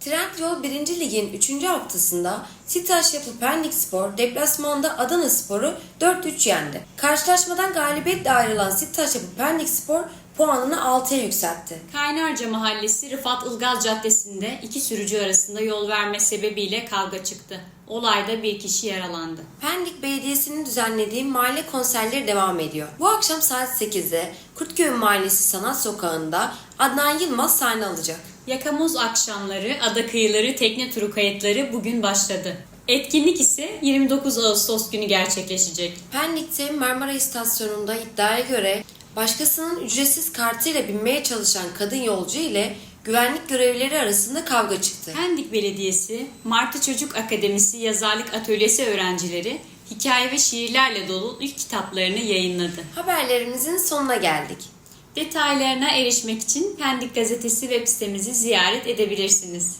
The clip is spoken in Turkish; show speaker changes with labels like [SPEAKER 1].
[SPEAKER 1] Trendyol 1. Lig'in 3. haftasında Sitaş Yapı Pendikspor deplasmanda Adanaspor'u 4-3 yendi. Karşılaşmadan galibiyetle ayrılan Sitaş Yapı Pendikspor puanını 6'ya yükseltti.
[SPEAKER 2] Kaynarca Mahallesi Rıfat Ilgaz Caddesi'nde iki sürücü arasında yol verme sebebiyle kavga çıktı. Olayda bir kişi yaralandı.
[SPEAKER 1] Pendik Belediyesi'nin düzenlediği mahalle konserleri devam ediyor. Bu akşam saat 8'de Kurtköy Mahallesi Sanat Sokağı'nda Adnan Yılmaz sahne alacak.
[SPEAKER 2] Yakamoz akşamları ada kıyıları tekne turu kayıtları bugün başladı. Etkinlik ise 29 Ağustos günü gerçekleşecek.
[SPEAKER 1] Pendik'te Marmara İstasyonu'nda iddiaya göre başkasının ücretsiz kartıyla binmeye çalışan kadın yolcu ile güvenlik görevlileri arasında kavga çıktı.
[SPEAKER 2] Pendik Belediyesi, Martı Çocuk Akademisi Yazarlık Atölyesi öğrencileri hikaye ve şiirlerle dolu ilk kitaplarını yayınladı.
[SPEAKER 1] Haberlerimizin sonuna geldik.
[SPEAKER 2] Detaylarına erişmek için Pendik Gazetesi web sitemizi ziyaret edebilirsiniz.